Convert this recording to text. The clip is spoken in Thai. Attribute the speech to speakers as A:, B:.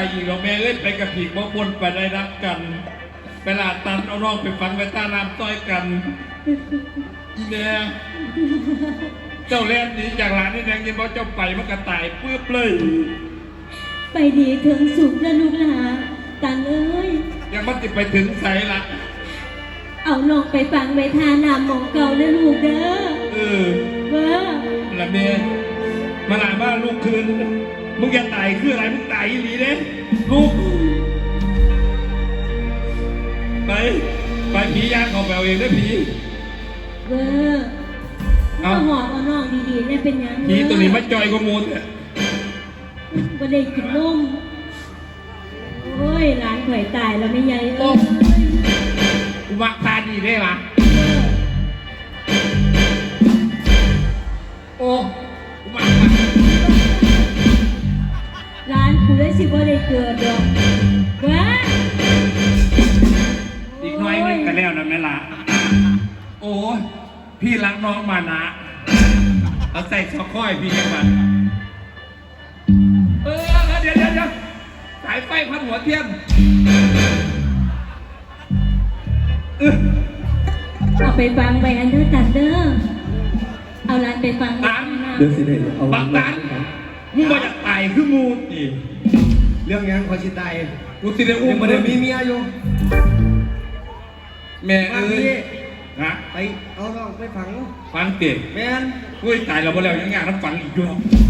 A: อีกเราแม่เอ้ยไปกับผีบ่บนไปได้รักกันไปลาตันเอาน้องไปฟังไปต้าน้ำต้อยกันอีแดงเจ้าแล่นหนีจากหลานนี่แดงยินบอกเจ้าไปมันกระต่ายปื้บเลย
B: ไปดีถึงสุขแล้วลูกหลานตังเอ้ย
A: ยังมันติดไปถึงใสละ
B: เอาน้องไปฟังไปทานามมองเก่าแล้วลูกเด้อเว้อ
A: ละเมย์มาหลานบ้านลูกคืนมึงจะตายคืออะไรมึงตายอีหลีเด้ลูกไปผีย่างของแมวเองได้ผี
B: เว้อเอาหอบเอาน้องดีๆเนี่ยเป็นยัง
A: ผีตัวนี้มาจอยกว่ามูลเนี่ย
B: บ่ได้กินนมโอ้ยหลานข่อยตายแล้วไม่ใหญ่เอ้ย
A: กูมักตาดีได้ปะโอ้กูมัก
B: หลานกูเลยสิบ่ได้เกิดดอกว้า
A: อีกน้อยนึงกันแล้วนะแม่ละโอ้ยพี่รักน้องมานะเอาใส่ช็อกโก้ให้พี่ยังมันเดี๋ยวสายไฟพันหัวเทียน
B: เอาไปฟังไปอันเดอร์ตันเดอร์เอาหลานไปฟัง
A: ตัน
C: เดี๋ยวสิได้เอา
A: บักตันมึงมาจากไต่คือมูนี่
C: เรื่องยังคอยชิตาย
A: กูสิได้อุ้
C: ยั
A: ม
C: งไม่ได้มีเมียอยู่
A: แม่
C: มา
A: เอ้
C: พี่
A: ยฮะ
C: ไปเอาน้องไปฝัง
A: ฟังเต็ม
C: แมน
A: กูตายแล้วบ่แล้วยังงานน้ำฝันอีกอยู่